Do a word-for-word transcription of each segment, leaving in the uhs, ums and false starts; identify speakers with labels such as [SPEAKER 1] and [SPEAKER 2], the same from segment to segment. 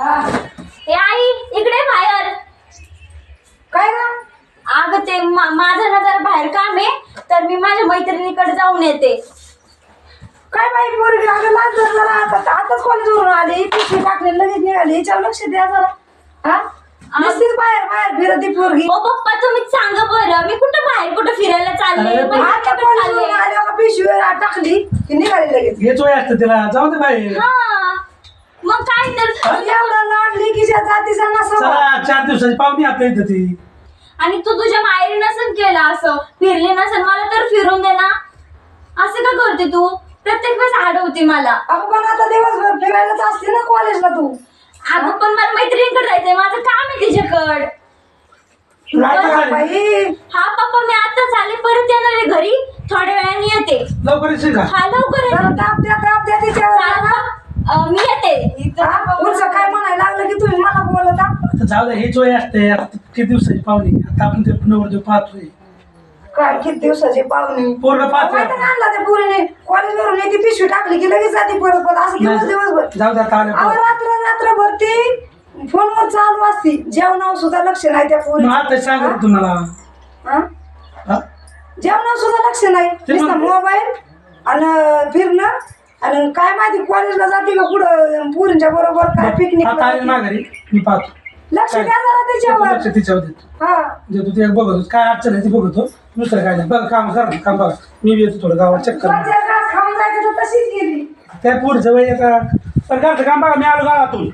[SPEAKER 1] ए आई इकडे बाहेर.
[SPEAKER 2] काय ना
[SPEAKER 1] अगं ते मा- माझं ना जरा बाहेर काम आहे तर मी माझ्या मैत्रिणीकडे जाऊन येते.
[SPEAKER 2] काय बाई पोरगी अगं लाज धर जरा. आता आताच कॉलेजवरून आले पिशवी टाकले लगेच निघाले. हिच्यावर लक्ष द्या जरा. हा नुसतीच बाहेर बाहेर फिरत ती पोरगी.
[SPEAKER 1] ओ पप्पा तुम्हीच सांगा बरं मी कुठं बाहेर कुठं फिरायला चालले
[SPEAKER 3] अरे, पण
[SPEAKER 2] आता
[SPEAKER 1] मैत्रिणीकडे
[SPEAKER 2] कॉलेजवरून
[SPEAKER 1] चालले.
[SPEAKER 2] आले बघा पिशवी टाकली की निघाले लगेच.
[SPEAKER 3] हेच वय असतं तिला, जाऊ दे बाई.
[SPEAKER 1] हा मग काय तर
[SPEAKER 2] एवढा लाडली की ज्या जातीचा नसावा.
[SPEAKER 3] चला चार दिवसाची पाहुणी आपल्या इथं ती.
[SPEAKER 1] आणि तू तुझ्या माहेरी नसेल केलं असं फिरली नसेल मला तर फिरून दे ना. असं का करते तू प्रत्येक वेळेस अडवते मला.
[SPEAKER 2] अगं पण आता दिवसभर फिरायलाच असते ना कॉलेजला तू.
[SPEAKER 1] अगं पण मला मैत्रिणीकडे जायचंय माझं काम आहे तिच्याकड.
[SPEAKER 3] लाटा झाली.
[SPEAKER 2] बाई
[SPEAKER 1] हा पप्पा मी आताच आले परत येणार आहे घरी थोड्या वेळाने येते.
[SPEAKER 3] लवकर येशील का?
[SPEAKER 1] हा लवकर येते.
[SPEAKER 2] जरा ताप द्या ताप द्या तिच्यावर.
[SPEAKER 1] चालेल, अं, मी येते.
[SPEAKER 2] हा? पुढचं काय म्हणायला लागलं की तुम्ही मला बोलता.
[SPEAKER 3] आता जाऊ दे, हेच वय असते. आता किती दिवसाची पाहुणी, आता आपण ते नवरदेव पाहतोय.
[SPEAKER 2] काय किती दिवसाची पाहुणी.
[SPEAKER 3] पोरगं पाहतोय.
[SPEAKER 2] माहिती का आणला त्या पोरीने कॉलेजवरून येते पिशवी टाकली की लगेच जाते परत परत असं दिवस
[SPEAKER 3] नाही,
[SPEAKER 2] दिवसभर.
[SPEAKER 3] जाऊ दे आता आलं
[SPEAKER 2] अहो
[SPEAKER 3] पोरं.
[SPEAKER 2] रात्र रात्रभर ती फोनवर चालू असती. जेवणावर सुद्धा लक्ष नाही त्या पोरी.
[SPEAKER 3] मग आता सांगत तुम्हाला. हा?
[SPEAKER 2] जेवणावर सुद्धा लक्ष नाही.
[SPEAKER 3] ते
[SPEAKER 2] नुसतं
[SPEAKER 3] मग-
[SPEAKER 2] मोबाईल आणि फिरणं आणि काय माहिती कॉलेजला जाते का पुढं पोरींच्या बरोबर काय पिकनिक.
[SPEAKER 3] आता आली माघारी मी पाहतो.
[SPEAKER 2] लक्ष द्या जरा
[SPEAKER 3] देतो
[SPEAKER 2] त्याच्यावर.
[SPEAKER 3] लक्ष तिच्यावर देतो.
[SPEAKER 2] हा
[SPEAKER 3] देतो ते बघतो काय अडचण आहे ती बघतो. दुसरं काय नाही. बघा काम करा काम बघा. मी बी येतो थोडं गावात चक्कर मारून.
[SPEAKER 2] कोणत्या घास खाऊन जायचं तर तशीच गेली.
[SPEAKER 3] त्या पुढच्या वेळी आता पण घरचं काम बघा. मी आलो गावातून.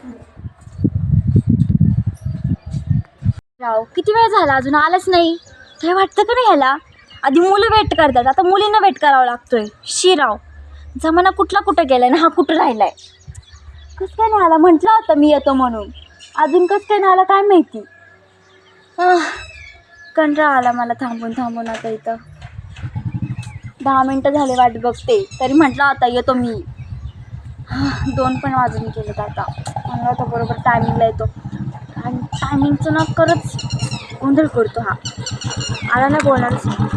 [SPEAKER 1] राव किती वेळ झाला अजून आलाच नाही. काय वाटतं का नाही ह्याला. आधी मुलं वेट करतात आता मुलींना वेट करावा लागतोय. शिराव जमाना कुठला कुठं गेलाय ना हा कुठं राहिलाय. कसं काय नाही आला म्हटलं होतं मी येतो म्हणून. अजून कसं काय नाही आला काय माहिती. आह, कंटाळा आला मला थांबून थांबून. आता इथं दहा मिनटं झाले वाट बघते तरी म्हटलं आता येतो मी. आह, दोन पण वाजून गेलेत आता. म्हणलं आता बरोबर टायमिंगला येतो. आणि टायमिंगचं ना करत गोंधळ करतो हा. आला ना बोलणारच नाही.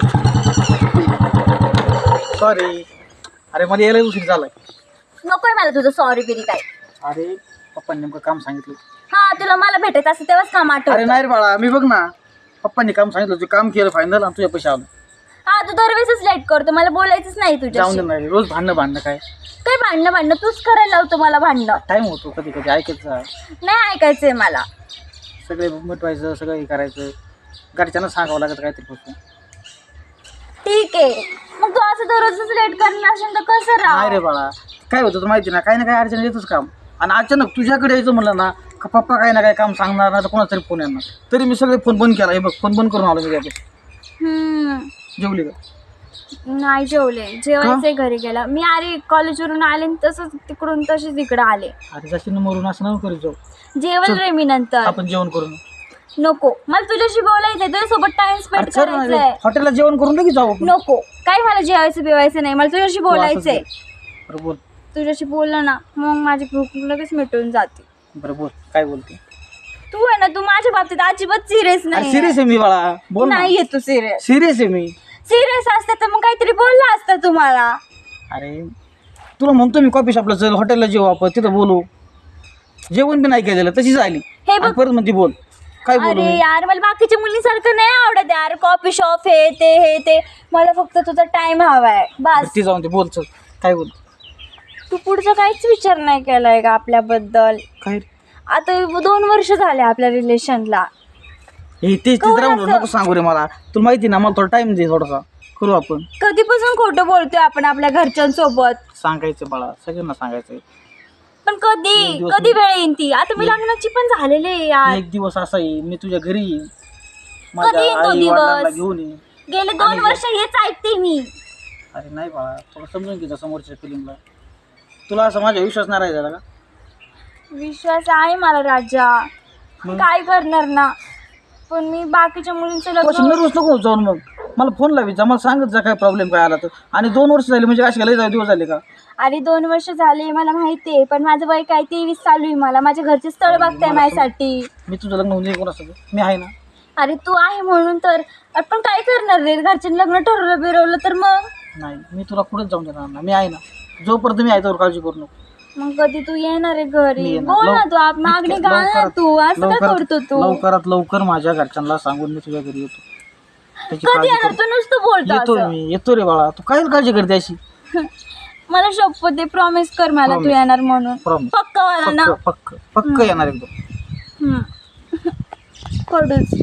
[SPEAKER 4] सॉरी. अरे मला यायला उशीर झालाय.
[SPEAKER 1] नकोय मला तुझं सॉरी बिरी काय.
[SPEAKER 4] अरे पप्पांनी नेमकं काम सांगितलं.
[SPEAKER 1] हा तुला मला भेटायचं असं तेव्हाच काम
[SPEAKER 4] अरे
[SPEAKER 1] आठवत.
[SPEAKER 4] नाही रे बाळा, मी बघ ना पप्पांनी काम सांगितलं, तू काम केलं फायनल आणि तुझ्या पैसे आलो.
[SPEAKER 1] हा तू दरवेळेसच लेट करतो मला बोलायचंच नाही
[SPEAKER 4] जाऊन
[SPEAKER 1] तुझ्याशी.
[SPEAKER 4] दे नाही रोज भांडणं भांडणं काय
[SPEAKER 1] काय भांडणं भांडणं तूच करायला लावतो मला भांडणं.
[SPEAKER 4] टाईम होतो कधी कधी ऐकायचं,
[SPEAKER 1] नाही ऐकायचंय मला.
[SPEAKER 4] सगळे मिटवायचं, सगळं हे करायचं, घरच्यांना सांगावं लागत काहीतरी पासून.
[SPEAKER 1] ठीक आहे मग तू असं दररोजच लेट करणार असेल तर कसं
[SPEAKER 4] नाही रे
[SPEAKER 1] राह.
[SPEAKER 4] बाळा, काय होतं तर माहिती ना, काही ना काही अडचण येतच काम. आणि अचानक तुझ्याकडे यायचं म्हणलं ना का पप्पा काही ना काही काम सांगणार ना तर कोणाचा तरी फोन येणार. तरी मी सगळे फोन बंद केला. हे बघ फोन बंद करून आलो मी त्याकडे.
[SPEAKER 1] हम्म
[SPEAKER 4] जेवली का?
[SPEAKER 1] नाही जेवले. जेवायचंय घरी गेला मी. अरे कॉलेजवरून आले आणि तसंच तिकडून तशीच इकडं आले.
[SPEAKER 4] अरे जशी मरून असं नको करू. जाऊ
[SPEAKER 1] जेवण रे मी नंतर.
[SPEAKER 4] आपण जेवण करून
[SPEAKER 1] नको मला तुझ्याशी बोलायचंय तुझ्यासोबत टाइम स्पेंड करायचंय.
[SPEAKER 4] हॉटेलला जेवण करून लगेच जाऊ आपण.
[SPEAKER 1] नको काय मला जेवायचं बिवायचं नाही. मला तुझ्याशी बोलायचंय.
[SPEAKER 4] बरं बोल.
[SPEAKER 1] तुझ्याशी बोललं ना मग माझी भूक लगेच मिटून जाते.
[SPEAKER 4] बरं बोल, काय बोलते?
[SPEAKER 1] तू आहे ना तू माझ्या बाबतीत अजिबात सिरियस
[SPEAKER 4] अरे
[SPEAKER 1] नाही.
[SPEAKER 4] सिरियस आहे मी बाळा, बोल ना.
[SPEAKER 1] नाही तू सिरियस.
[SPEAKER 4] सिरियस आहे मी.
[SPEAKER 1] सिरियस असतं तर मग काहीतरी बोलला असतं तुम्हाला.
[SPEAKER 4] अरे तुला म्हणतो मी कॉफी शॉपला चल, हॉटेलला जेवू आपण, तिथं बोलू. जेवण बी नाही केलेलं तशीच आली.
[SPEAKER 1] हे बघ.
[SPEAKER 4] आणि परत म्हणते बोल. काय बोलू
[SPEAKER 1] अरे
[SPEAKER 4] मी?
[SPEAKER 1] यार मला बाकीच्या मुलींसारखं नाही आवडत यार. कॉफी शॉप हे ते हे ते. मला फक्त तुझा टाइम हवाय बस.
[SPEAKER 4] ती जाऊन ते बोल चल. काय बोल?
[SPEAKER 1] तू पुढचा काहीच विचार नाही केलाय का आपल्याबद्दल.
[SPEAKER 4] काय
[SPEAKER 1] आता दोन वर्ष झाले आपल्या रिलेशनला.
[SPEAKER 4] हे तेच
[SPEAKER 1] कवर
[SPEAKER 4] तेच राहून
[SPEAKER 1] असं?
[SPEAKER 4] नको सांगू रे मला. तुला माहिती ना, मला थोडा टाइम दे थोडासा, करू आपण.
[SPEAKER 1] कधीपासून खोटं बोलतोय आपण आपल्या घरच्यांसोबत.
[SPEAKER 4] सांगायचं बाळा, सगळ्यांना सांगायचं.
[SPEAKER 1] पण कधी
[SPEAKER 4] एक दिवस
[SPEAKER 1] कधी
[SPEAKER 4] मी-
[SPEAKER 1] वेळ येईन ती. आता मी लग्नाची पण झालेली आहे यार.
[SPEAKER 4] एक दिवस असा येईल मी तुझ्या घरी येईन,
[SPEAKER 1] कधी
[SPEAKER 4] माझ्या
[SPEAKER 1] येईन तो
[SPEAKER 4] आई वडिलांना
[SPEAKER 1] दिवस?
[SPEAKER 4] घेऊन येईन.
[SPEAKER 1] गेले दोन
[SPEAKER 4] आणि-
[SPEAKER 1] वर्ष हेच ऐकते मी.
[SPEAKER 4] अरे नाही बाळा, थोडं समजून घ्यायचं समोरच्या फिलिंगला. तुला असं माझा विश्वास नाही राहिला का?
[SPEAKER 1] विश्वास आहे मला राजा.
[SPEAKER 4] मग?
[SPEAKER 1] काय करणार ना. पण मी बाकीच्या मुलींचं
[SPEAKER 4] कसं
[SPEAKER 1] लग्न.
[SPEAKER 4] नर्वस नको जाऊन. मग मला फोन लावायचा, मला सांगत जा काय प्रॉब्लेम काय आला तर. आणि दोन वर्ष झाले म्हणजे असे लय दिवस झाले का?
[SPEAKER 1] अरे दोन वर्ष झाले मला माहितीये. पण माझं वय काय तेवीस चालू आहे. मला माझ्या घरचे स्थळ बघताय माझ्यासाठी.
[SPEAKER 4] मी तुझं लग्न होऊन कोण असतं? मी आहे ना.
[SPEAKER 1] अरे तू आहे म्हणून तर. आपण काय करणार रे. घरच्यांनी लग्न ठरवलं बिरवलं तर मग.
[SPEAKER 4] नाही, मी तुला कुठेच जाऊन देणार ना. मी आहे ना. जोपर्यंत मी आहे तोवर काळजी करू नको.
[SPEAKER 1] मग कधी तू येणार आहे घरी?
[SPEAKER 4] मी येणार.
[SPEAKER 1] बोल ना
[SPEAKER 4] लव-
[SPEAKER 1] तू आप मागणी
[SPEAKER 4] इतक्या-
[SPEAKER 1] घाल ना
[SPEAKER 4] लवकरात-
[SPEAKER 1] तू, असं काय
[SPEAKER 4] लवकरात-
[SPEAKER 1] करतो तू?
[SPEAKER 4] लवकरात लवकर माझ्या घरच्यांना सांगून मी तुझ्या घरी येतो. त्याची
[SPEAKER 1] कधी
[SPEAKER 4] काळजी
[SPEAKER 1] येणार
[SPEAKER 4] करू.
[SPEAKER 1] तू? नुसतं बोलतो
[SPEAKER 4] येतो
[SPEAKER 1] असं.
[SPEAKER 4] मी, येतो रे बाळा. तू काय काळजी करते अशी?
[SPEAKER 1] मला शपथ दे, प्रॉमिस कर मला तू
[SPEAKER 4] Promise.
[SPEAKER 1] येणार म्हणून.
[SPEAKER 4] Promise.
[SPEAKER 1] पक्का वाला ना?
[SPEAKER 4] पक्क पक्क पक्क येणार एकदम.
[SPEAKER 1] हम्म. कडूच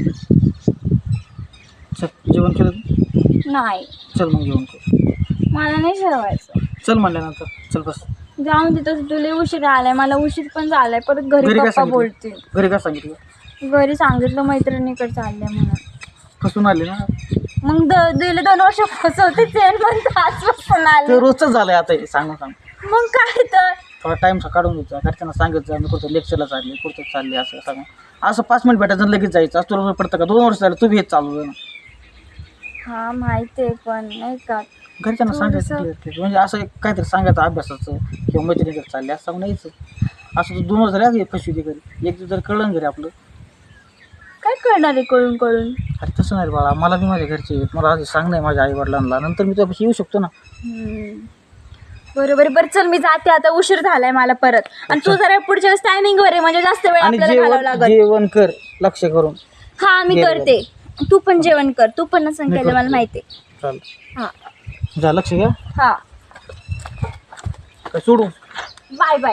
[SPEAKER 4] चल जेवण केलं तू?
[SPEAKER 1] नाही,
[SPEAKER 4] चल मग जेवण कर.
[SPEAKER 1] मला नाही जेवायचं.
[SPEAKER 4] चल म्हणल्यानंतर चल बस.
[SPEAKER 1] जाऊन तिथं तुला उशीर आलाय, मला उशीर पण झालाय. परत घरी
[SPEAKER 4] घरी काय
[SPEAKER 1] पप्पा
[SPEAKER 4] सांगितलं?
[SPEAKER 1] बोलतील.
[SPEAKER 4] घरी काय सांगितलं?
[SPEAKER 1] घरी सांगितलं मैत्रिणीकडे चाललंय म्हणून.
[SPEAKER 4] फसून आले ना.
[SPEAKER 1] मग द- गेले दोन वर्ष फसवते चेन पण आजपासून
[SPEAKER 4] ते
[SPEAKER 1] आले.
[SPEAKER 4] रोजच झालंय आता हे सांगून सांग.
[SPEAKER 1] मग काय तर
[SPEAKER 4] थोडा टाइम काढून घ्यायचा. घरच्यांना सांगत जा मी कुठं लेक्चरला चालले, कुठं चालले असं सांग. असं पाच मिनिट भेटायचं आणि लगेच जायचं असं तुला पडतं का? दोन वर्ष झालं तू बी हेच चालू आहे ना.
[SPEAKER 1] हा माहिती आहे, पण नाही का
[SPEAKER 4] घरच्यांना सांगायचं
[SPEAKER 1] थोडंसं-
[SPEAKER 4] clear clear. म्हणजे असं एक काहीतरी सांगायचं अभ्यासाचं किंवा मैत्रिणीकडे चालले असं सांगून यायचं. असं तू दोन वर्ष झाले फसवी दे घरी. एक दिवस जर कळलं घरी आपलं.
[SPEAKER 1] काय करणार आहे कळून कळून?
[SPEAKER 4] अरे तसं नाही रे बाळा. मला बी माझ्या घरचे आहेत. मला आधी सांग नाही माझ्या आई वडिलांना, नंतर मी तुझ्यापाशी येऊ शकतो ना.
[SPEAKER 1] हम्म. बरोबर बरं, चल मी जाते आता, उशीर झालाय मला परत. आणि तू जरा पुढच्या वेळेस टायमिंग वर आहे, म्हणजे जास्त वेळ
[SPEAKER 4] आणि
[SPEAKER 1] आपल्याला घालावं
[SPEAKER 4] जेवण
[SPEAKER 1] लागत.
[SPEAKER 4] जेवण कर लक्ष करून.
[SPEAKER 1] हा मी
[SPEAKER 4] जेवण.
[SPEAKER 1] करते. तू पण जेवण कर. तू पण नसन
[SPEAKER 4] मी
[SPEAKER 1] केलं मला
[SPEAKER 4] करते.
[SPEAKER 1] माहिती.
[SPEAKER 4] चालेल.
[SPEAKER 1] हा
[SPEAKER 4] जा लक्ष घ्या.
[SPEAKER 1] हा
[SPEAKER 4] काय सोडू?
[SPEAKER 1] Bye bye.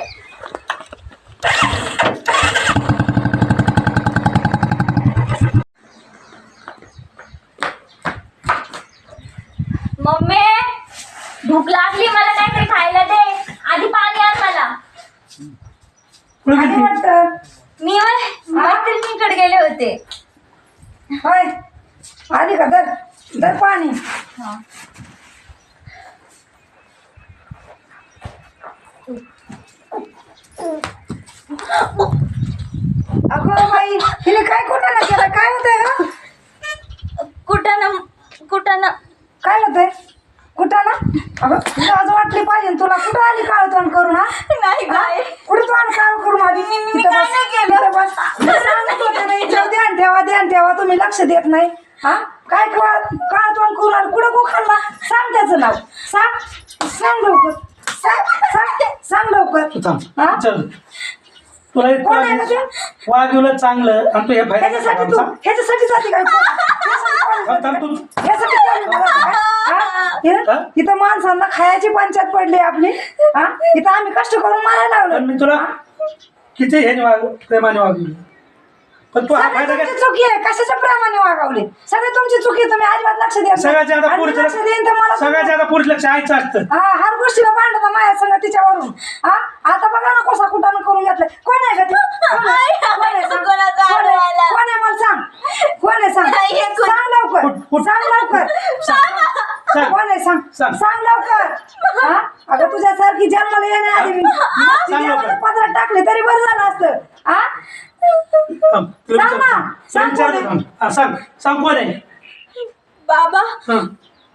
[SPEAKER 1] मम्मी भूक लागली, मला काहीतरी खायला दे. आधी पाणी आण मला.
[SPEAKER 3] कुठे
[SPEAKER 2] आधी
[SPEAKER 3] गेली?
[SPEAKER 2] वाटतं
[SPEAKER 1] मी मैत्रिणीकडे गेले होते.
[SPEAKER 2] होय आधी का दर दर पाणी.
[SPEAKER 1] हा.
[SPEAKER 2] अगं बाई हिने काय कुठं ना केलं? काय होतंय का?
[SPEAKER 1] कुठं ना कुठं ना
[SPEAKER 2] काय होतंय कुठं ना? अगं तुला आज वाटली पाहिजे ना तुला. कुठं आली काळ तोंड करून? हा
[SPEAKER 1] नाही काय
[SPEAKER 2] कुठं तोंड काळ करून आली?
[SPEAKER 1] मी- मी
[SPEAKER 2] इथं
[SPEAKER 1] काय
[SPEAKER 2] बस,
[SPEAKER 1] नाही केलं.
[SPEAKER 2] इथं बस. मी सांगत होते ना हिच्यावर ध्यान ठेवा ध्यान ठेवा. तुम्ही लक्ष देत नाही. हा काय काळ काळ तोंड करून आली? कुठं गो खाल्ला? सांग त्याचं नाव. सांग सांग लवकर. सांग सांग सांग लवकर.
[SPEAKER 3] तू थांब.
[SPEAKER 2] हा?
[SPEAKER 3] चल तुला एक
[SPEAKER 2] कोण आहे का ते?
[SPEAKER 3] वाघिवलं चांगलं आणि तू हे
[SPEAKER 2] ह्याच्यासाठी तू
[SPEAKER 3] फायदा
[SPEAKER 2] ह्याच्यासाठी जाते काय?
[SPEAKER 3] थांब, थांब, तू
[SPEAKER 2] ह्यासाठी चालली मला काय? हा? इथं इथं माणसांना खायची पंचायत पडली आपली. हा इथं आम्ही कष्ट करून मारायला
[SPEAKER 3] पण
[SPEAKER 2] लागलो.
[SPEAKER 3] मी तुला किती ह्याने वाग प्रेमाने वागली, पण तू हा
[SPEAKER 2] सगळी
[SPEAKER 3] फायदा
[SPEAKER 2] तुमची
[SPEAKER 3] काय?
[SPEAKER 2] चुकी आहे. कशाच्या प्रमाणे वागवले? सगळी तुमची चुकी आहे. तुम्ही अजिबात लक्ष द्या.
[SPEAKER 3] सगळ्यात ज्यादा पुरुष
[SPEAKER 2] लक्ष देईन तर मला
[SPEAKER 3] सगळ्यात ज्यादा पुरुष लक्ष आईचं असतं.
[SPEAKER 2] हा हर गोष्टीला भांडता माया संग तिच्यावरून. हा आता बघा ना कसा कुठानं करून घेतलं. कोण आहे का ते? कोण आहे? कोण आहे? सांग. कोण आहे? कोण आहे मला सांग. कोण आहे सांग. सांग लवकर.
[SPEAKER 3] कुठ- कुठ-
[SPEAKER 2] सांग लवकर.
[SPEAKER 3] सांग.
[SPEAKER 2] कोण आहे सांग.
[SPEAKER 3] सांग.
[SPEAKER 2] सांग लवकर. हा अगं तुझ्यासारखी जन्माला येण्याआधी मी
[SPEAKER 3] सांग लवकर.
[SPEAKER 2] पदरात टाकले तरी बरं झालं असतं. हा
[SPEAKER 3] थांब, तुला
[SPEAKER 2] सांग ना.
[SPEAKER 3] विचारतो.
[SPEAKER 2] सांग
[SPEAKER 3] तुला
[SPEAKER 2] कोण
[SPEAKER 3] विचारतो
[SPEAKER 2] आहे?
[SPEAKER 3] थांब. हा, सांग सांग कोण आहे?
[SPEAKER 1] बाबा.
[SPEAKER 3] हं.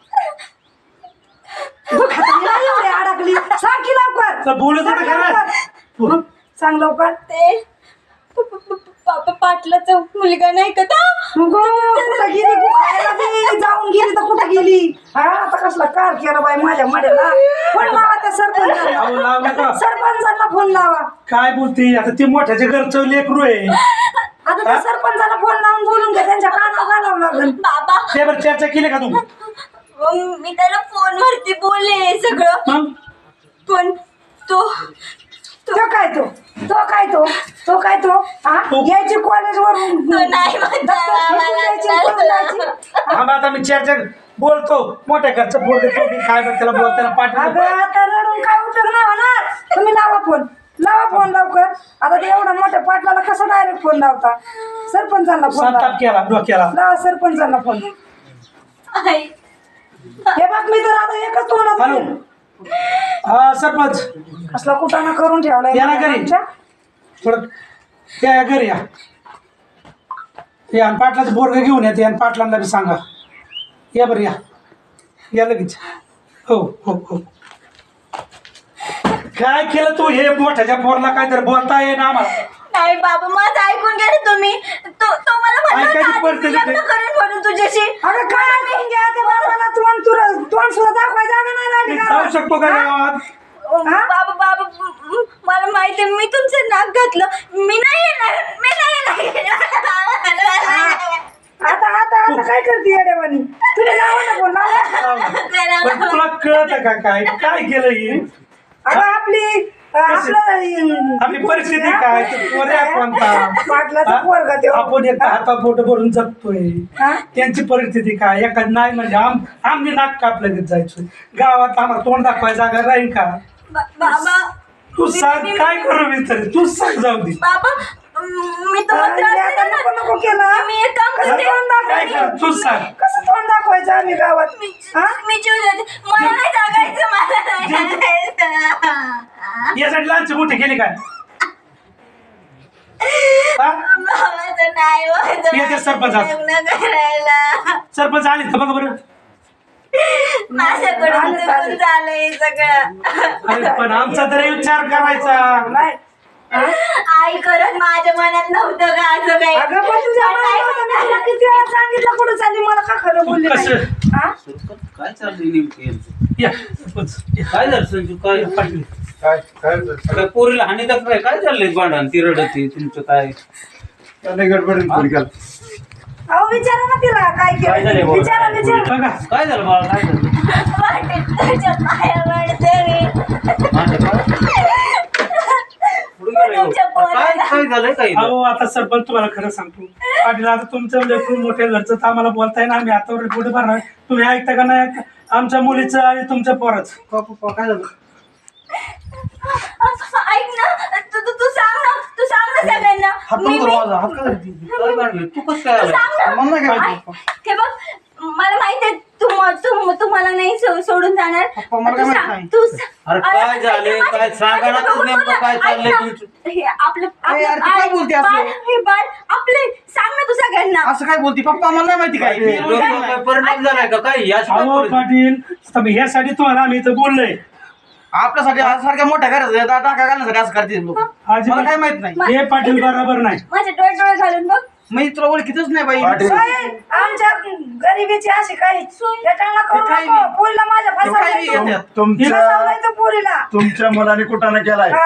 [SPEAKER 2] तू खातानी नाही एवढी अडकली. सांग की लवकर.
[SPEAKER 3] तर बोलत होतं
[SPEAKER 2] सांग
[SPEAKER 3] खरं.
[SPEAKER 2] लवकर.
[SPEAKER 3] बोल.
[SPEAKER 2] सांग लवकर.
[SPEAKER 1] ते प- प- प- पापा पाटलाचा मुलगा नाही का तो?
[SPEAKER 2] गो कुठं गेली? तू खायला गेली जाऊन गेली तर कुठं गेली? हा आता कसला कार केला बाई माझ्या मड्याला. फोन लावा त्या
[SPEAKER 3] अहो,
[SPEAKER 2] सरपंचाला.
[SPEAKER 3] लावलं का?
[SPEAKER 2] सरपंचाला फोन लावा.
[SPEAKER 3] काय बोलती आता? ती मोठ्याच्या घरचं लेकरू आहे.
[SPEAKER 2] आता त्या सरपंचाला फोन लावून बोलून घ्या. त्यांच्या कानावर घालावं लागेल.
[SPEAKER 1] बाबा
[SPEAKER 3] ते बरं चर्चा केली का तू?
[SPEAKER 1] मग मी त्याला फोनवरती बोलले सगळं,
[SPEAKER 3] मग
[SPEAKER 1] पण तो
[SPEAKER 2] तो काय तो तो काय तो तो काय तो हा
[SPEAKER 3] तो-
[SPEAKER 2] यायची कॉलेज वरून
[SPEAKER 1] तो नाही म्हणता
[SPEAKER 3] आम्ही आता मी चर्चा बोलतो मोठ्या घरचं बोलतो तो बी काय बरं त्याला बोलताना पाठवतो.
[SPEAKER 2] अगं आता रडून काय उपयोग नाही होणार. तुम्ही लावा फोन लावा फोन लवकर. आता ते एवढा मोठ्या पाटलाला कसं डायरेक्ट फोन लावता? सरपंचाला फोन लावा.
[SPEAKER 3] संताप केला डोक्याला.
[SPEAKER 2] लावा सरपंचाला फोन.
[SPEAKER 1] आई.
[SPEAKER 2] हे बघ मी तर आता एकच तोंडात
[SPEAKER 3] हॅलो
[SPEAKER 2] बोलेन.
[SPEAKER 3] हा सरपंच
[SPEAKER 2] असला कुठाना करून ठेवलाय
[SPEAKER 3] या ना घरी.
[SPEAKER 2] आमच्या.
[SPEAKER 3] थोडं या या घरी या या आणि पाटलाचं बोरग घेऊन येते आणि पाटलांना बी सांगा. या बरं या या लगेच. हो हो हो काय केलं तू? हे मोठ्याच्या पोरला काहीतरी बोलता ये ना आम्हाला.
[SPEAKER 1] नाही बाबा माझं ऐकून घ्या ना तुम्ही. तो तो मला म्हणला
[SPEAKER 3] ऐकायची
[SPEAKER 1] होता, आधी मी
[SPEAKER 3] परिस्थिती
[SPEAKER 1] लग्न
[SPEAKER 3] नाही.
[SPEAKER 1] करेन म्हणून तुझ्याशी.
[SPEAKER 2] अगं काय ऐकून घ्या त्या बाबाला. तोंड तुला तोंड सुद्धा दाखवाय जागा नाही राहिली
[SPEAKER 3] मी
[SPEAKER 2] का?
[SPEAKER 3] जाऊ शकतो का या गावात?
[SPEAKER 2] हा?
[SPEAKER 1] बाबा बाबा माहिती मी तुमचं नाक घातलं मी नाही येणार मी नाही येणार
[SPEAKER 2] आता आता आता काय करते येडेवानी तुम्ही नाव नको नाव
[SPEAKER 3] पण तुला कळत का काय काय केलं ही
[SPEAKER 2] अगं आपली आपलं
[SPEAKER 3] आपली परिस्थिती काय तू पोऱ्या कोणता
[SPEAKER 2] पाटलाचा
[SPEAKER 3] हा?
[SPEAKER 2] पोरगा त्यो.
[SPEAKER 3] आपण एक हाता पोट भरून जगतोय
[SPEAKER 2] हा?
[SPEAKER 3] त्यांची परिस्थिती काय एखाद नाही म्हणजे आम आम्ही नाक कापलं घेत जायचो गावात आम्हाला तोंड दाखवायला जागा राहील का
[SPEAKER 1] बा- बाबा
[SPEAKER 3] तू सांग काय करू मी तरी तू सांग जाऊ दे
[SPEAKER 1] बाबा म- मी तुम्हाला त्रास
[SPEAKER 2] आणि आता
[SPEAKER 1] दिला
[SPEAKER 2] नको
[SPEAKER 1] ना
[SPEAKER 2] नको केलं
[SPEAKER 1] मी एक काम
[SPEAKER 2] कसं
[SPEAKER 1] करते
[SPEAKER 2] तोंड
[SPEAKER 3] काय
[SPEAKER 2] दाखवायचं
[SPEAKER 3] कर तू सांग
[SPEAKER 2] कसं तोंड दाखवायचं आम्ही गावात
[SPEAKER 1] मी
[SPEAKER 2] हा?
[SPEAKER 1] मी जीव देते मला नाही जागायचं मला नाही जागायचं.
[SPEAKER 3] यासाठी लहानची मोठी केली काय हा?
[SPEAKER 1] बाबाचं नाही होत
[SPEAKER 3] येते सरपंचात.
[SPEAKER 1] लग्न करायला
[SPEAKER 3] सरपंच आले तर बघा बरं
[SPEAKER 1] माझ्याकडून
[SPEAKER 2] आलं,
[SPEAKER 1] चुकून
[SPEAKER 2] आलं.
[SPEAKER 1] झालंय सगळं
[SPEAKER 3] अरे पण आमचा तरी विचार करायचा
[SPEAKER 2] नाही हा?
[SPEAKER 1] आई करत माझ्या मनात नव्हतं का असं काही
[SPEAKER 2] अगं पण तुझ्या
[SPEAKER 1] पण आई
[SPEAKER 2] मनात होतं, मी तुला किती वेळा सांगितलं कुठं चालली मला का खरं बोलली नाही
[SPEAKER 3] कसं?
[SPEAKER 2] हा?
[SPEAKER 5] काय चाललंय नेमकं यांचं?
[SPEAKER 3] या सरपंच या.
[SPEAKER 5] काय झालं संजू काय
[SPEAKER 3] पाटील.
[SPEAKER 6] काय काय झालं?
[SPEAKER 5] काय पोरीला हानी तर काय काय चाललंय भांडण ती रडती तुमचं काय
[SPEAKER 6] त्याने गडबडीने फोन केला.
[SPEAKER 2] अहो विचारा ना तिला काय
[SPEAKER 5] काय झालंय
[SPEAKER 2] केलं
[SPEAKER 5] बोला?
[SPEAKER 2] विचारा विचारा
[SPEAKER 3] बघा
[SPEAKER 5] काय झालं बाळा काय झालं
[SPEAKER 1] वाटेत तुझ्या पाया पडते मी.
[SPEAKER 5] माझं काय? पुढे गेलं ह्यो.
[SPEAKER 1] तुमच्या पोराला.
[SPEAKER 5] काय काय झालंय काय
[SPEAKER 3] अहो आता सरपंच तुम्हाला खरं सांगतो पाटील आता तुमचं लेकरून मोठ्या घरचं तर आम्हाला बोलताय ना आम्ही हातावर पुढे भरणार तुम्ही ऐकता का नाही ऐकता? आमच्या मुलीचं आणि तुमच्या पोराचं
[SPEAKER 4] पप्पा काय झालं
[SPEAKER 1] ऐक ना तू तू तू सांग ना तू सांग ना सगळ्यांना
[SPEAKER 4] हात
[SPEAKER 1] मी-
[SPEAKER 4] नको
[SPEAKER 1] मी-
[SPEAKER 4] माझा हात का धरती?
[SPEAKER 5] काय भांडण तू कसं काय
[SPEAKER 1] तू
[SPEAKER 5] आला
[SPEAKER 1] सांग ना.
[SPEAKER 4] मला नाही काय
[SPEAKER 1] ऐक, हे बघ मला माहिती आहे तू तू तुम्हाला नाही सो- सोडून जाणार
[SPEAKER 4] पप्पा, मला
[SPEAKER 1] तू
[SPEAKER 4] काय माहित
[SPEAKER 1] सांग
[SPEAKER 4] नाही.
[SPEAKER 1] तू स-
[SPEAKER 5] अरे काय
[SPEAKER 1] ऐक
[SPEAKER 5] झालंय?
[SPEAKER 1] ना,
[SPEAKER 5] काय सांगा ना
[SPEAKER 1] माझं
[SPEAKER 5] तू नेमकं
[SPEAKER 1] बघू
[SPEAKER 5] काय
[SPEAKER 1] ना.
[SPEAKER 5] चाललंय
[SPEAKER 1] ऐक ना.
[SPEAKER 5] तुमचं?
[SPEAKER 1] हे आपलं
[SPEAKER 4] अरे यार,
[SPEAKER 1] आपलं-
[SPEAKER 4] ती काय
[SPEAKER 1] ऐक,
[SPEAKER 4] बोलते असं?
[SPEAKER 1] बाळ, हे बाळ आपले सांग ना तू सगळ्यांना
[SPEAKER 4] असं काय बोलती पप्पा मला नाही माहिती काय मी
[SPEAKER 5] डोक्यावर
[SPEAKER 4] बोलते
[SPEAKER 5] काय
[SPEAKER 4] नाही.
[SPEAKER 5] परिणाम झालाय का काय याच काय
[SPEAKER 3] अहो
[SPEAKER 5] परिणाम?
[SPEAKER 3] पाटील आता मी ह्यासाठी तुम्हाला आम्ही इथं बोललोय
[SPEAKER 4] आपल्यासाठी आज सारख्या मोठ्या घरात टाका घालण्यासाठी असं करते लोक
[SPEAKER 3] अजिबात-
[SPEAKER 4] मला काय माहित नाही
[SPEAKER 3] हे पाटील बरोबर नाही
[SPEAKER 1] माझे डोळे डोळे घालून बघ
[SPEAKER 4] मी तुला ओळखीतच नाही बाई
[SPEAKER 6] पाटील.
[SPEAKER 2] साहेब, आमच्या गरिबीची अशी काही याच्याला करू
[SPEAKER 4] हे काही
[SPEAKER 2] नको
[SPEAKER 4] नाही.
[SPEAKER 2] पोरीला माझ्या
[SPEAKER 4] हे काही नाही
[SPEAKER 2] फसवलं
[SPEAKER 4] येतात.
[SPEAKER 6] तुमच्या
[SPEAKER 2] फसवलं पोरीला
[SPEAKER 6] तुमच्या मुलाने कुठाने केलाय
[SPEAKER 2] हा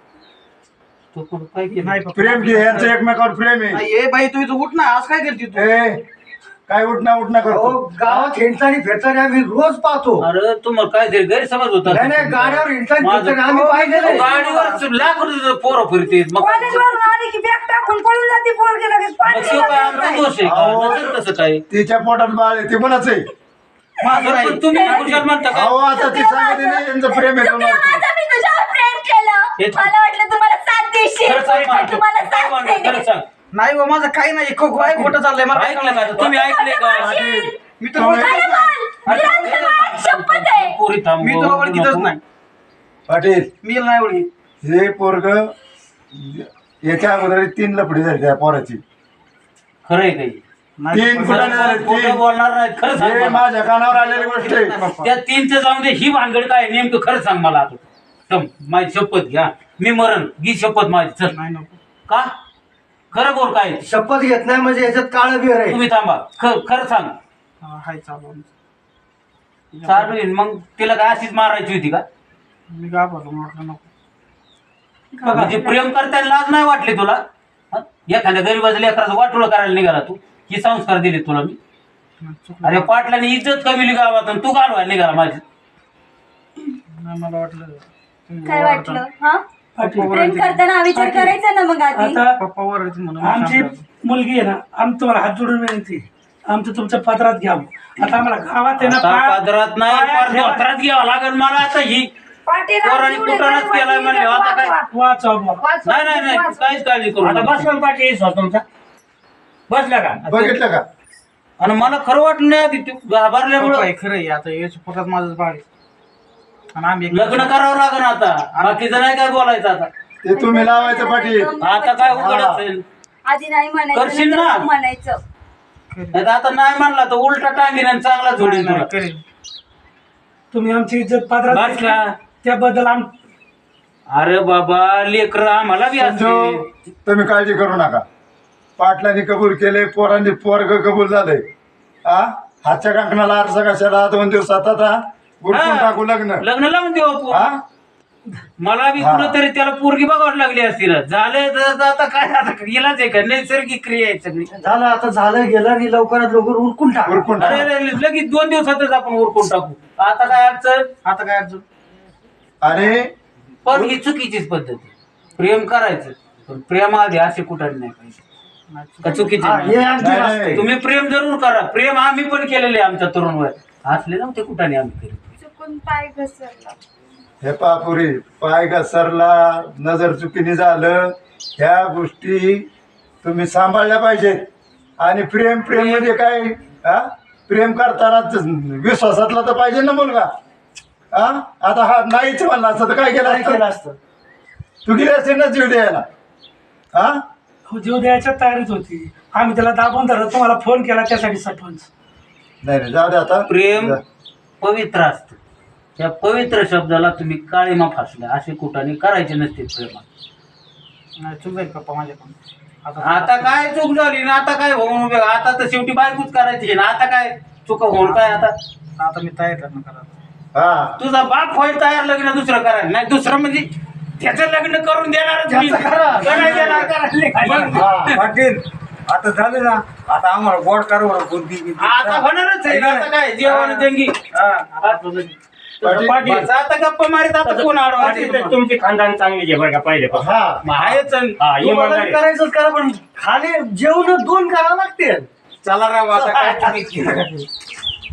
[SPEAKER 5] तू कुठं काय केलं?
[SPEAKER 4] नाही पप्पा.
[SPEAKER 6] प्रेम घे यांचं एकमेकावर प्रेम आहे
[SPEAKER 4] नाही, ए बाई तू इथं उठ ना आज काय करते तू
[SPEAKER 6] ए, काय उठणं उठणं करतो
[SPEAKER 7] गावात हिंडतानी फिरतानी आम्ही रोज पाहतो
[SPEAKER 5] अरे तुम्हाला काय तरी गैरसमज होता
[SPEAKER 7] नाही नाही गाड्यावर हिंडतानी
[SPEAKER 5] माझं-
[SPEAKER 7] फिरतानी आम्ही पाहिलेलं आहे.
[SPEAKER 5] गाडीवर लाख रुपये पोरं फिरते मग
[SPEAKER 2] कॉलेजवरून आली की बॅग टाकून पळून जाते पोरगी लगेच
[SPEAKER 5] मग
[SPEAKER 2] पाणी
[SPEAKER 5] तो काय आमचा
[SPEAKER 2] नाही.
[SPEAKER 5] दोष आहे
[SPEAKER 6] अहो.
[SPEAKER 5] का नसेल तसं काय
[SPEAKER 6] तिच्या पोटात बाळ आहे ते कोणाच आहे
[SPEAKER 4] माझं
[SPEAKER 5] पण
[SPEAKER 4] नाही
[SPEAKER 5] तुम्ही कुशाल म्हणता का
[SPEAKER 6] अहो आता ती सांगते ना यांचं प्रेम आहे
[SPEAKER 1] चुकलं
[SPEAKER 6] कोणावर.
[SPEAKER 1] माझं मी तुझ्यावर प्रेम केलं
[SPEAKER 5] हे-
[SPEAKER 1] मला वाटलं तुम्हाला साथ देशील
[SPEAKER 5] खरं सांग
[SPEAKER 1] पण तुम्हाला
[SPEAKER 5] मला. काय
[SPEAKER 1] साथ
[SPEAKER 5] म्हणतो? खरं
[SPEAKER 1] नाही
[SPEAKER 5] सांग
[SPEAKER 4] नाही बा माझं काही नाही खो काय खोटं चाललंय मला
[SPEAKER 5] ऐकलं का तुम्ही ऐकले का
[SPEAKER 4] मी तर
[SPEAKER 6] तुम्ही-
[SPEAKER 4] ओळखीतच
[SPEAKER 1] अरे
[SPEAKER 4] नाही.
[SPEAKER 1] बाल, निरंतर बाळ, शपथ आहे
[SPEAKER 5] पोरी थांब
[SPEAKER 4] मी तुला ओळखीतच नाही
[SPEAKER 6] पाटील
[SPEAKER 4] मी नाही ओळखी
[SPEAKER 6] हे पोरग याच्या अगोदर तीन लफडी झाली त्या पोराची
[SPEAKER 5] खरंय काही
[SPEAKER 6] तीन कुठाने झाले
[SPEAKER 5] खोटं
[SPEAKER 6] तीन
[SPEAKER 5] बोलणार नाही खरं सांग
[SPEAKER 6] हे
[SPEAKER 5] मला.
[SPEAKER 6] माझ्या कानावर आलेली गोष्ट आहे
[SPEAKER 5] त्या तीनचं जाऊन दे ही भानगड काय आहे? नेमकं खरं सांग मला आता तम, माझी शपथ घ्या मी मरण घी शपथ माझी चल
[SPEAKER 4] नाही नको
[SPEAKER 5] का खरं बोल काय आहे?
[SPEAKER 7] शपथ घेत नाही म्हणजे याच्यात काळ बिर आहे
[SPEAKER 5] तुम्ही थांबा ख- खरं सांग
[SPEAKER 4] हा, हाय चालू
[SPEAKER 5] चालू येईन मग तिला काय अशीच मारायची होती का
[SPEAKER 4] मी घाबरलो म्हटलं नको
[SPEAKER 5] म्हणजे प्रेम करताना लाज नाही वाटली तुला हं? एखाद्या गरीबाचं लेकराचं वाटोळं करायला निघाला तू ही संस्कार दिले तुला मी
[SPEAKER 4] चुकलं.
[SPEAKER 5] अरे पाटलाने इज्जत कमी गावात आणि तू घालवायला निघाला माझी
[SPEAKER 4] नाही मला वाटलं तुम्ही
[SPEAKER 1] काय
[SPEAKER 4] ओरडता.
[SPEAKER 1] वाटलं हा
[SPEAKER 3] पाटील
[SPEAKER 1] प्रेम करताना हा विचार करायचा ना मग आधी
[SPEAKER 3] आता
[SPEAKER 4] पप्पा ओरडते म्हणून मी
[SPEAKER 3] आमची
[SPEAKER 4] शांत राहतो.
[SPEAKER 3] मुलगी आहे ना आम्ही तुम्हाला हात जोडून विनंती आहे. आमचं तुमच्या पत्रात घ्यावं आता आम्हाला गावात आहे ना
[SPEAKER 5] आता
[SPEAKER 3] पाय-
[SPEAKER 5] पदरात नाही
[SPEAKER 3] पाया
[SPEAKER 5] पार
[SPEAKER 3] ठेवा.
[SPEAKER 5] धोत्रात घ्यावं लागेल मला आता ही
[SPEAKER 2] पाटील
[SPEAKER 5] पोरांनी
[SPEAKER 2] आमची
[SPEAKER 5] कुठानच
[SPEAKER 2] एवढी
[SPEAKER 5] केलाय म्हणले, आता काय?
[SPEAKER 3] वाच बाबा.
[SPEAKER 2] वाच,
[SPEAKER 5] नाही नाही नाही
[SPEAKER 2] वाच.
[SPEAKER 5] काहीच काळजी करू
[SPEAKER 8] आता
[SPEAKER 5] नका.
[SPEAKER 8] बसला पाठी तुमचा बसला का
[SPEAKER 6] बघितलं का
[SPEAKER 5] आणि मला खरं वाटलं नाही आधी तू
[SPEAKER 4] पप्पा,
[SPEAKER 5] घाबरल्यामुळं
[SPEAKER 4] हे खरं आहे आता याच्या पोटात माझंच बाळ आहे. आणि आम्ही एक-
[SPEAKER 5] लग्न करावं लागेल आता बाकीचं नाही काय बोलायचं आता
[SPEAKER 6] ते तुम्ही लावायचं पाटील
[SPEAKER 5] आता काय उघडच असेल
[SPEAKER 1] आधी नाही
[SPEAKER 5] करशील
[SPEAKER 1] म्हणायचं
[SPEAKER 5] ना?
[SPEAKER 1] नंतर म्हणायचं
[SPEAKER 5] नाही तर आता नाही म्हणला तर उलटा टांगीन आणि चांगला
[SPEAKER 4] नाही,
[SPEAKER 5] जोडीन
[SPEAKER 4] नाही,
[SPEAKER 5] तुला
[SPEAKER 4] करेल.
[SPEAKER 3] तुम्ही आमची इज्जत पात्रात
[SPEAKER 5] बस
[SPEAKER 3] घेतली.
[SPEAKER 5] का?
[SPEAKER 3] त्याबद्दल आम
[SPEAKER 5] अरे बाबा लेकर आम्हाला बी असते
[SPEAKER 6] संजू तुम्ही काळजी करू नका पाटलांनी कबूल केले पोरांनी पोरग कबूल झालंय हा हातच्या कंकणाला आरसा कशाला दोन दिवसात आता गुडकून
[SPEAKER 5] हा.
[SPEAKER 6] टाकू लग्न
[SPEAKER 5] लग्न लावून देऊ आपण
[SPEAKER 6] हा
[SPEAKER 5] मला बी
[SPEAKER 6] हा.
[SPEAKER 5] कुठंतरी त्याला पोरगी बघावं लागली असती ना. झालं तर आता काय आता इलाज आहे का? नैसर्गिक क्रिया आहे सगळी.
[SPEAKER 7] झालं आता झालं गेलं आणि लवकरात लवकर उरकून टाक
[SPEAKER 6] उरकून
[SPEAKER 5] अरे
[SPEAKER 6] टाका.
[SPEAKER 5] अरे, लगेच दोन दिवसातच आपण उरकून टाकू. आता काय अडचण?
[SPEAKER 4] आता काय अडचण
[SPEAKER 6] आणि
[SPEAKER 5] पण ही चुकीचीच पद्धत आहे. प्रेम करायचं पण प्रेमाआधी असे कुठं नाही पाहिजे का? चुकीचे
[SPEAKER 7] हा, हे
[SPEAKER 5] नाही.
[SPEAKER 7] अगदी
[SPEAKER 6] नाही,
[SPEAKER 7] वास्तव.
[SPEAKER 6] नाही.
[SPEAKER 5] तुम्ही प्रेम जरूर करा. प्रेम आम्ही पण केलेले आहे आमच्या तरुण वयात. असले नव्हते कुठं नाही आम्ही केले.
[SPEAKER 1] चुकून पाय घसरला.
[SPEAKER 6] हे पापुरी पाय घसरला, नजर चुकीने झालं, ह्या गोष्टी तुम्ही सांभाळल्या पाहिजेत. आणि प्रेम प्रेम म्हणजे काय? हा प्रेम करताना विश्वासातला तर पाहिजे ना मुलगा. हा आता हा नाहीच म्हणला असतं तर काय केलं
[SPEAKER 7] काय केलं
[SPEAKER 6] असतं?
[SPEAKER 7] असतं
[SPEAKER 6] तू गेली असते ना जीव द्यायला. हा
[SPEAKER 3] हो, जीव द्यायच्या तयारीत होती. आम्ही त्याला दाबून धरत तुम्हाला फोन केला त्यासाठी सरपंच.
[SPEAKER 6] नाही नाही जाऊ दे आता.
[SPEAKER 5] प्रेम पवित्र असतं. त्या पवित्र शब्दाला तुम्ही काळीमा फासल्या. असे कुठाने करायचे नसते प्रेमात.
[SPEAKER 4] नाही चूक जाईल पप्पा माझ्याकडून.
[SPEAKER 5] आता काय चूक झाली ना? आता काय होऊन उभे? आता तर शेवटी बायकोच करायची ना. आता काय चुक होऊन काय? आता
[SPEAKER 4] आता मी तयार करणं करा.
[SPEAKER 6] हा
[SPEAKER 5] तुझा बाप होईल तयार लग्न दुसरं करायला. नाही दुसरं म्हणजे त्याचं लग्न करून देणार
[SPEAKER 7] त्याचं करा.
[SPEAKER 9] पाटील आता झालं ना. आता आम्हाला गोड कारभार कोणती
[SPEAKER 5] आता होणारच आहे. आता काय जेवण जंगी.
[SPEAKER 6] पाटील.
[SPEAKER 5] बस आता गप्पा मारित आता कोण आडवा?
[SPEAKER 8] तुमची खानदान चांगली आहे बरं का पहिले
[SPEAKER 6] हा
[SPEAKER 5] आहेच.
[SPEAKER 8] हा
[SPEAKER 7] तुम्हाला
[SPEAKER 8] इमानदारी.
[SPEAKER 7] करायचंच करा पण खाली जेवण दोन करावं लागते
[SPEAKER 5] चला राव आता काय तुम्ही